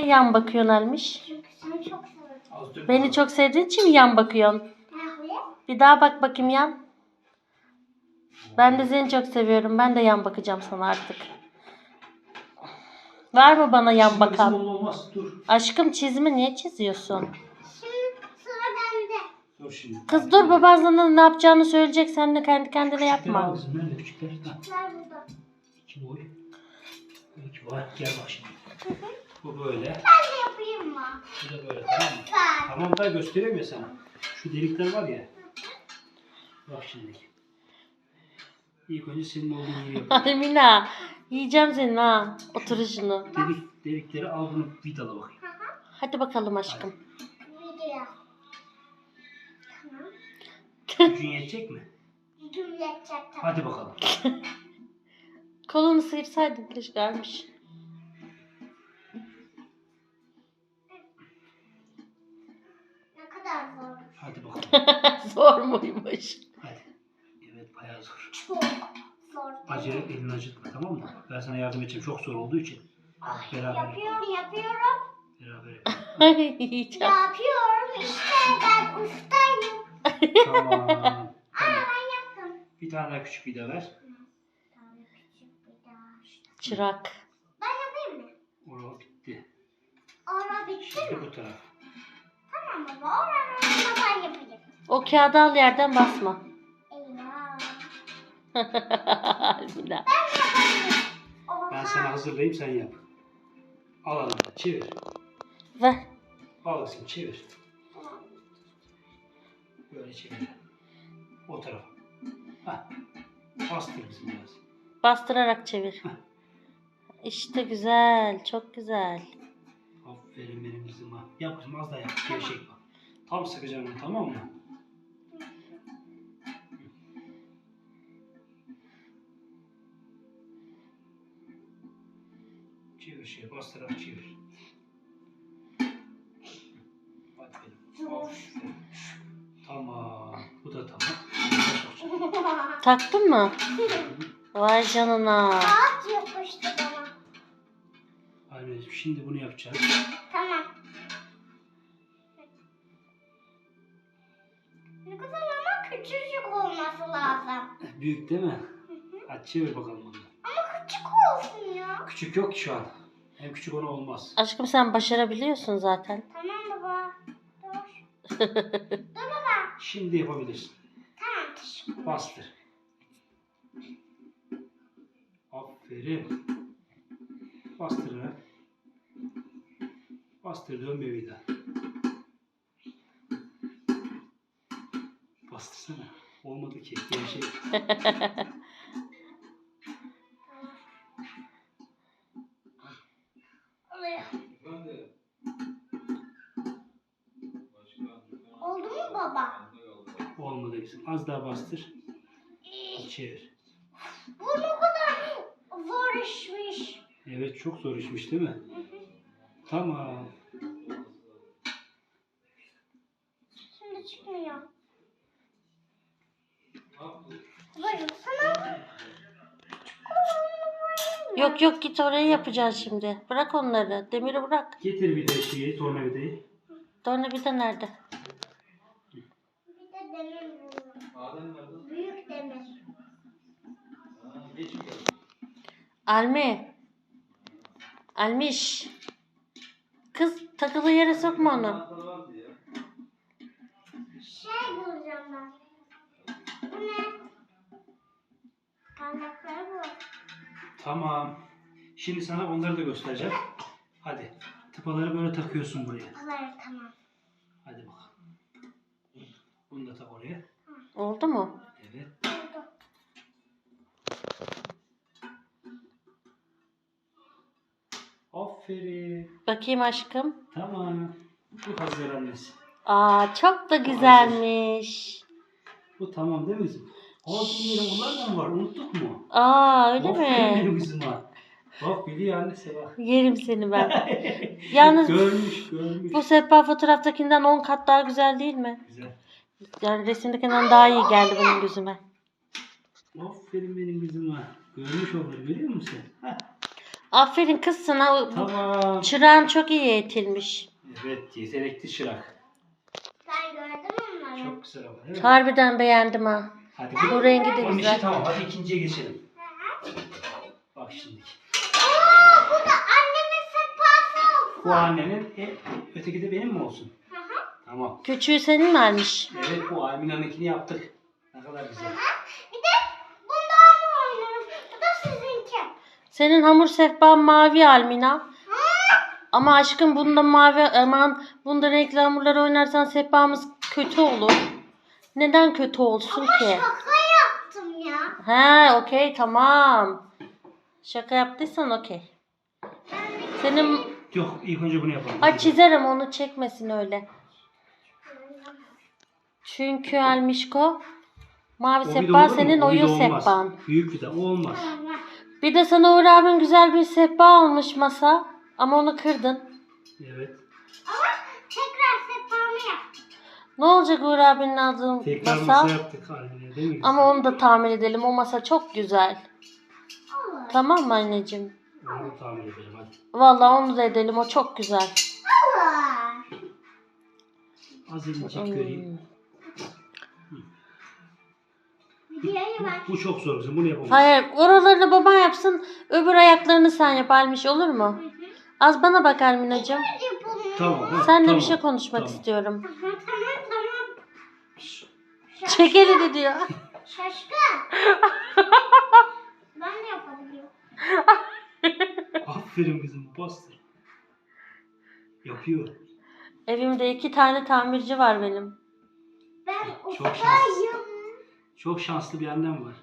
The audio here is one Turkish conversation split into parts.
yan bakıyorsun Almiş? Çünkü seni çok seviyorum. Beni çok sevdiğin için mi yan bakıyorsun? Bir daha bak bakayım yan. Ben de seni çok seviyorum. Ben de yan bakacağım sana artık. Var mı bana yan bakan? Olmaz. Dur. Aşkım çizimi niye çiziyorsun? Şimdi sıra bende. Dur şimdi. Kız dur, baban sana ne yapacağını söyleyecek. Sen de kendi kendine yapma. Al kızım. Nerede küçükler? Ha. Küçükler burada. 2 boy. 2 var. Gel bak şimdi. Bu böyle. Ben de yapayım mı? Bu da böyle. Tamam mı? Lütfen. Tamam da göstereyim ya sana. Şu delikler var ya. Bak şimdi. İlk önce senin olduğun yeri yapalım. Almina, yiyeceğim seni ha. Oturuşunu. Delikleri al, bunu vidala bakayım. Hadi bakalım aşkım. Video. Tamam. Gücün yetecek mi? Gücüm yetecek tabii. Hadi bakalım. Kolunu sıyırsaydın keşke Almiş. Ne kadar zor. Hadi bakalım. Zor muymuş? Hadi. Evet, bayağı zor. Çok zor. Acele et, elini acıtma, tamam mı? Ben sana yardım edeceğim. Çok zor olduğu için. Beraber yapalım. Yapıyorum. Beraber yapalım. Yiyeceğim. Yapıyorum işte ben ustayım. Tamam. Tamam. Ben yaptım. Bir tane daha küçük vida ver. Bir tane küçük bir daha. Çırak. Ben yapayım mı? O bitti. Ora bitti Şimdi mi? bu taraf. Tamam baba. Oranı ben yapayım. O kağıdı al, yerden basma. Eyvah. Almina. Ben sana hazırlayayım, sen yap. Al anahtarı, çevir. Ver. Al kızım, çevir. Böyle çevir. O tarafa. Hah. Bastır kızım biraz. Bastırarak çevir. İşte güzel. Çok güzel. Aferin benim kızıma. Yap kızım, az daha yap. Gevşek bak. Tam sıkacağım onu, tamam mı? Çevir bastırarak çevir. Aferin. Aferin. Tamam. Bu da tamam. Bunu da sokacağım. Taktın mı? Vay canına. Ağaç yapıştı bana. Anneciğim, şimdi bunu yapacağız. Tamam. Ne kadar ama küçücük olması lazım. Büyük değil mi? Hadi çevir bakalım bunu. Ama küçük olsun ya. Küçük yok ki şu an. Hem küçük ona olmaz. Aşkım sen başarabiliyorsun zaten. Tamam baba. Dur. Dur baba. Şimdi yapabilirsin. Tamam teşekkür. Bastır. Aferin. Bastırarak. Bastır, dön bir daha. Bastırsana. Olmadı ki. Gevşek. Oluyor. Oldu mu baba? Olmadı kızım. Az daha bastır. Çevir. Bu ne kadar zor işmiş. Evet, çok zor işmiş değil mi? Tamam. Şimdi çıkmıyor. Buyurun sana. Yok yok, git oraya yapacağız şimdi. Bırak onları. Demiri bırak. Getir bir de şeyi, tornavidayı. Tornavida nerede? Bir de demir buluyorum. Büyük demir. Almi. Almiş. Kız takılı yere sokma onu. Şey bulacağım ben. Bu ne? Parmakları bu. Tamam. Şimdi sana onları da göstereceğim. Hadi. Tıpaları böyle takıyorsun buraya. Hayır tamam. Hadi bakalım. Bunu da tak oraya. Oldu mu? Evet. Oldu. Aferin. Bakayım aşkım. Tamam. Bu hazır annesi. Aa, çok da güzelmiş. Bu tamam değil mi kızım? Ağzım bunlar da mı var? Unuttuk mu? Aa, öyle Aferin mi? benim kızıma. Bak biliyor annesi bak. Yerim seni ben. Yalnız Görmüş. bu sehpa fotoğraftakinden 10 kat daha güzel değil mi? Güzel. Yani resimdekinden daha iyi geldi benim gözüme. Aferin benim kızıma. Görmüş onları, görüyor musun? Heh. Aferin kız sana. Tamam. Çırağın çok iyi eğitilmiş. Evet, yetenekli çırak. Sen gördün mü onları? Çok güzel ama değil mi? Harbiden beğendim ha. Hadi Bu rengi de Onun güzel. işi tamam. Hadi ikinciye geçelim. Bak şimdi. Oo, bu da annemin sehpası olsun. Bu annenin, öteki de benim mi olsun? Hı hı. Tamam. Küçüğü senin vermiş. Evet, bu Almina'nınkini yaptık. Ne kadar güzel. Bir de bundan oynarım. Bu da sizinki. Senin hamur sehpan mavi Almina. Ama aşkım bunda mavi, aman bunda renkli hamurları oynarsan sehpamız kötü olur. Neden kötü olsun ki? Şaka yaptım ya. He, okey, tamam. Şaka yaptıysan okey. Senin Yok, ilk önce bunu yapalım. ay çizerim, onu çekmesin öyle. Çünkü Almişko mavi O bir de sehpa olur mu? senin O bir de oyun olmaz. sehpan. Büyük bir de o olmaz. Bir de sana Uğur abin güzel bir sehpa almış masa. Ama onu kırdın. Evet. Ama tekrar sehpamı yaptım. Ne olacak Uğur abinin aldığı Tekrar masa? masa yaptık Almina değil mi? Ama onu da tamir edelim. O masa çok güzel. Olur. Tamam mı anneciğim? Onu da tamir edelim hadi. Vallahi onu da edelim. O çok güzel. Olur. Az elini göreyim. Videoyu ver. Bu çok zor kızım. Bunu yapamaz. Hayır, oralarını baban yapsın. Öbür ayaklarını sen yap Almiş, olur mu? Az bana bak Alminacığım. Yapalım. Tamam. ha, Seninle tamam. bir şey konuşmak Tamam. istiyorum. Tamam. Çek elini diyor. Şaşkın. Ben de yapabiliyorum. Aferin kızım. Bastır. Yapıyor. Evimde 2 tane tamirci var benim. Ben Çok ustayım. Çok şanslı bir annem var.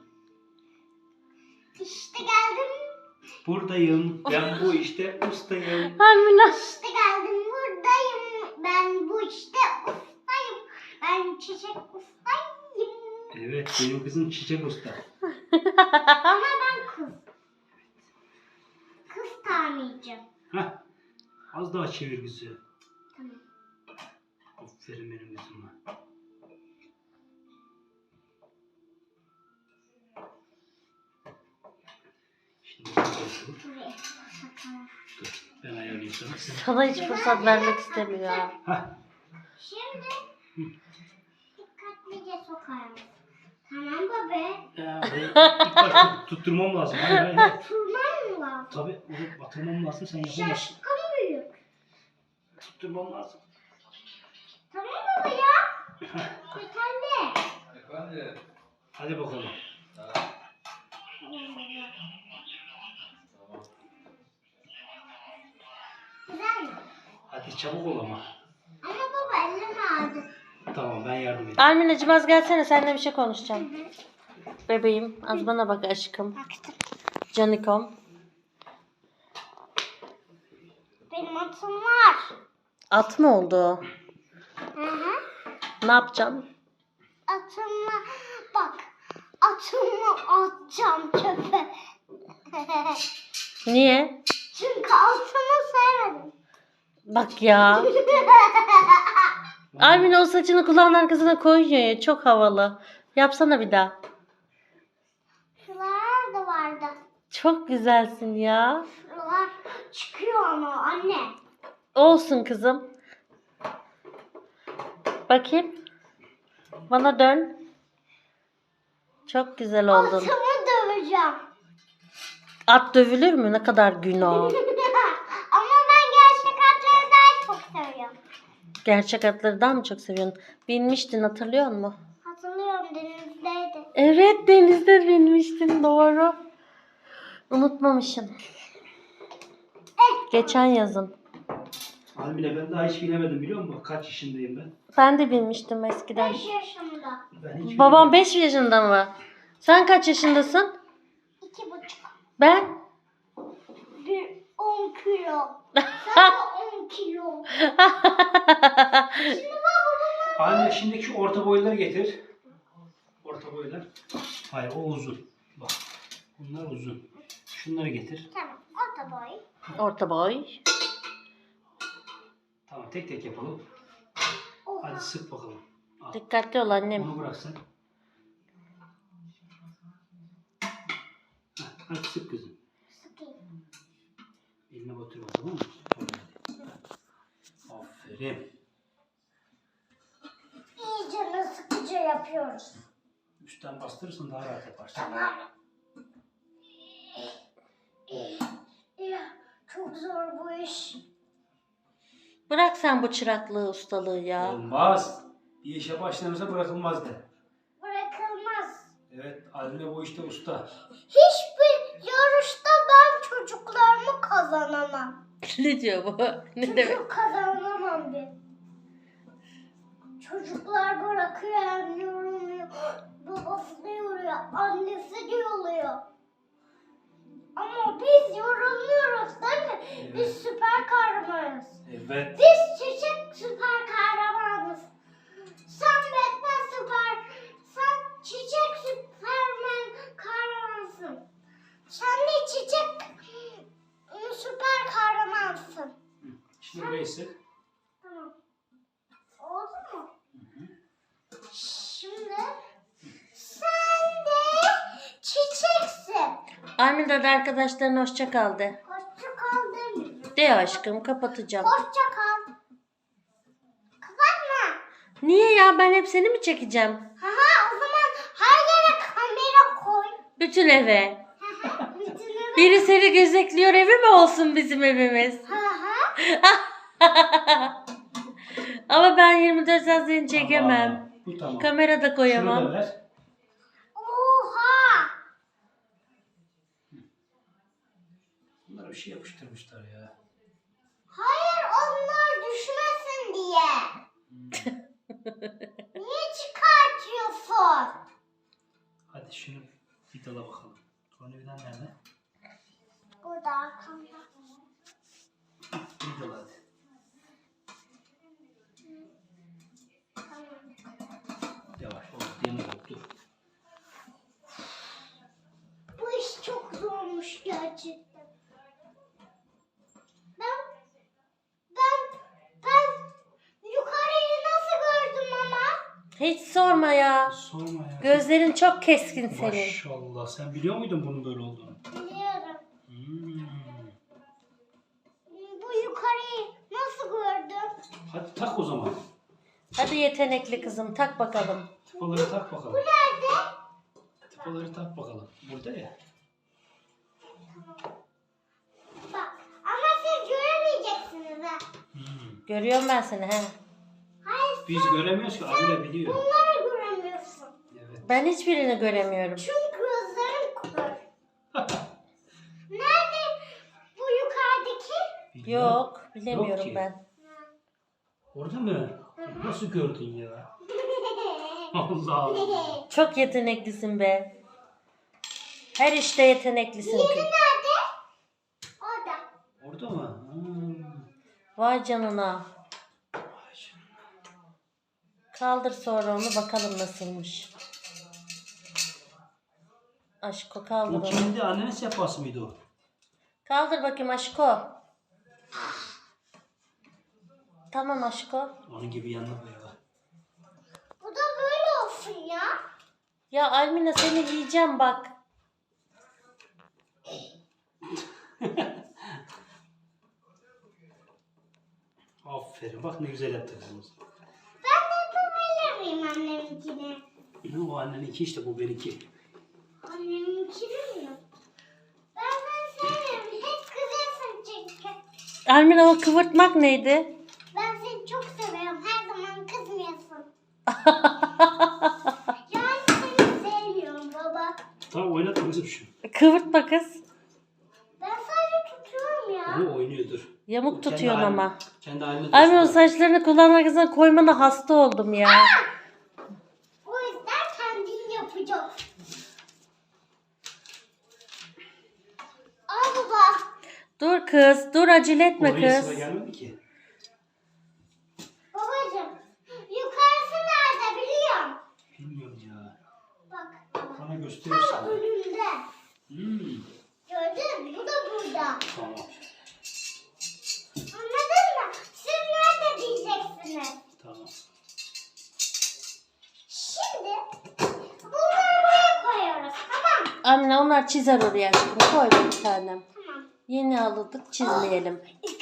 İşte geldim. Buradayım. Ben bu işte ustayım. Almina. İşte geldim buradayım. Ben bu işte ustayım. Ben çiçek ustayım. Evet, benim kızım çiçek usta. Ama ben kız. Kız tamirci. Heh. Az daha çevir kızı. Tamam. Aferin benim kızıma. Şimdi dur. Buraya sakalım. Dur. Ben ayarlayayım sana. Sana hiç fırsat vermek istemiyor ha. Heh. Şimdi dikkatlice sokarım. Tamam baba. İlk başta tutturmam lazım. Hayır hayır. hayır. Turman mı var? Tabii onu batırmam lazım. Sen yapamazsın. Şaşkın büyük. Tutturmam lazım. Tamam baba ya. Yeterli. Efendim? Hadi bakalım. Güzel mi? Hadi çabuk ol ama. Ama baba elim ağrıdı. Tamam, ben yardım edeyim. Alminacığım az gelsene, seninle bir şey konuşacağım. Bebeğim az bana bak aşkım. Baktım. Canikom. Benim atım var. At mı oldu? Hı hı. Ne yapacaksın? Atımla bak. Atımı atacağım çöpe. Niye? Çünkü atımı sevmedim. Bak ya. Almina o saçını kulağın arkasına koyuyor ya. Çok havalı. Yapsana bir daha. Şuralar da vardı. Çok güzelsin ya. Şuralar çıkıyor ama anne. Olsun kızım. Bakayım. Bana dön. Çok güzel oldun. Atımı döveceğim. At dövülür mü? Ne kadar günah. Ama ben gerçek atları daha çok seviyorum. Gerçek atlardan mı çok seviyorsun? Binmiştin, hatırlıyor musun? Hatırlıyorum denizdeydi. Evet, denizde binmiştin, doğru. Unutmamışım. Geçen yazın. Almine ben daha hiç binemedim biliyor musun? Kaç yaşındayım ben? Ben de binmiştim eskiden. 5 yaşımda. Ben hiç Babam 5 yaşında mı? Sen kaç yaşındasın? 2,5. Ben? 10 kilo. Sen de 10 kilo. Şimdi babamın Almine şimdiki şu orta boyları getir. Orta boylar. Hayır, o uzun. Bak. Bunlar uzun. Şunları getir. tamam orta boy. Orta boy. Tamam, tek tek yapalım. Oha. Hadi sık bakalım. Al. Dikkatli ol annem. Onu bırak sen. Heh, hadi sık kızım. Sıkayım. Tamam mı? Aferin. İyice sıkıcı yapıyoruz. Üstten bastırırsın daha rahat yaparsın. Tamam. Ya, çok zor bu iş. Bırak sen bu çıraklığı, ustalığı ya. Olmaz. Bir işe başlanırsa bırakılmaz de. Bırakılmaz. Evet, Almina bu işte usta. Hiçbir yarışta ben çocuklarımı kazanamam. Ne diyor bu? Ne demek? Çocuk kazanamam bir. Çocuklar bırakıyor hem yoruluyor. Babası da yoruyor. Annesi de yoruluyor. Ama biz yorulmuyoruz değil mi? Biz süper kahramanız. Evet. Biz çiçek süper kahramanız. Sen Batman sen çiçek süpermen kahramansın. Sen de çiçek süper kahramansın. Şimdi burayı sık. Tamam. Oldu mu? Şimdi sen de çiçeksin. Almina da arkadaşlarına hoşça kal de. Hoşça kal demiyorum. De aşkım, kapatacağım. Hoşça kal. Kapatma. Niye ya, ben hep seni mi çekeceğim? Haha, o zaman her yere kamera koy. Bütün eve. Haha, bütün eve. Biri seni gözetliyor, evi mi olsun bizim evimiz? Haha. Ama ben 24 saat seni çekemem. Tamam, bu tamam. Kamera da Şunu koyamam. da ver. Oha. Bunlara bir şey yapıştırmışlar ya. Hayır, onlar düşmesin diye. Niye çıkartıyorsun? Hadi şunu vidala bakalım. Tornavidan nerede? Burada arkamda. Vidala hadi. Yavaş ol. Yanı koptu. Bu iş çok zormuş gerçekten. Ben yukarıyı nasıl gördüm ama? Hiç sorma ya. Sorma ya. Gözlerin çok keskin senin. Maşallah. Sen biliyor muydun bunun böyle olduğunu? Biliyorum. Hmm. Bu yukarıyı nasıl gördüm? Hadi tak o zaman. Hadi yetenekli kızım, tak bakalım. Tıpaları tak bakalım. Bu nerede? Tıpaları tak bakalım. Burada ya. Bak, ama siz göremeyeceksiniz ha. Görüyorum ben seni he. Hayır, Biz göremiyoruz ki. Abile biliyor. bunları göremiyorsun. Evet. Ben hiçbirini göremiyorum. Çünkü gözlerim kör. Nerede bu yukarıdaki? Yok, bilemiyorum ki. ben. Orada mı? Nasıl gördün ya? Allah Allah. Çok yeteneklisin be. Her işte yeteneklisin Diğeri ki. nerede? Orada. Orada mı? Vay canına. Vay canına. Kaldır sonra onu, bakalım nasılmış. Aşko kaldır O onu. kendi annenin sehpası mıydı o? Kaldır bakayım Aşko. Tamam Aşko. Onun gibi yanına koy ya. Bu da böyle olsun ya. Ya Almina, seni yiyeceğim bak. Aferin. Bak ne güzel yaptı kızımız. Ben de yapabilir miyim anneminkini? O anneninki işte, bu benimki. Anneminkini mi? Ben sevmiyorum. Hep kızıyorsun çünkü. Almina, o kıvırtmak neydi? Ben seni çok seviyorum. Her zaman kızmıyorsun. Yani seni sevmiyorum baba. Tamam, oynatma kızım şu. Kıvırtma kız. Ben sadece tutuyorum ya. Ama oynuyordur. Yamuk Kendi tutuyorsun haline- ama. Kendi haline Almina, o dursun. saçlarını kulağın arkasına koymana hasta oldum ya. O yüzden kendin yapacaksın. Al baba. Dur kız, dur, acele etme Oraya sıra kız. gelmedi ki. Babacığım. Yukarısı nerede biliyorum. Bilmiyorum ya. Bak. Bana gösterirsin. Tam önünde. Hmm. Gördün mü? Bu da burada. Tamam. Anladın mı? Siz nerede diyeceksiniz? Tamam. Şimdi bunları buraya koyuyoruz. Tamam mı? Almina, onlar çizer oraya aşkım. Koy bir tanem. Tamam. Yeni aldık, çizmeyelim.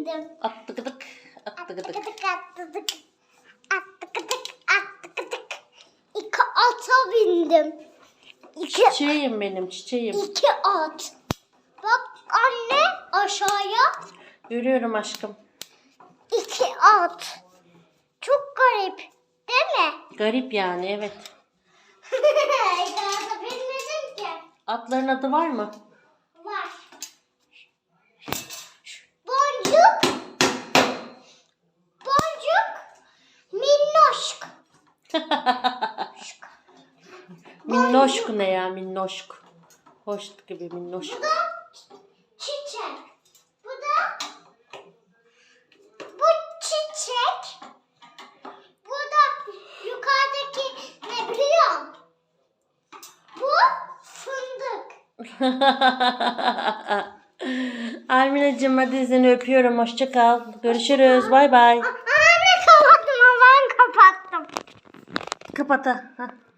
bindim. Attıgıdık. Attıgıdık. Attıkıdık attıdık. Attıkıdık attıkıdık. 2 ata bindim. 2 Çiçeğim benim çiçeğim. 2 at. Bak anne aşağıya. Görüyorum aşkım. 2 at. Çok garip değil mi? Garip yani evet. Daha bilmedim ki. Atların adı var mı? Var. Boncuk. Boncuk. Minnoşk. Minnoşk ne ya minnoşk. Hoş gibi minnoşk. Bu da çiçek. Bu çiçek. Bu da yukarıdaki ne biliyor musun? Bu fındık. Alminacığım hadi seni öpüyorum. Hoşça kal. Görüşürüz. Bay bay. Anne kapattım. Ben kapattım. Kapat ha.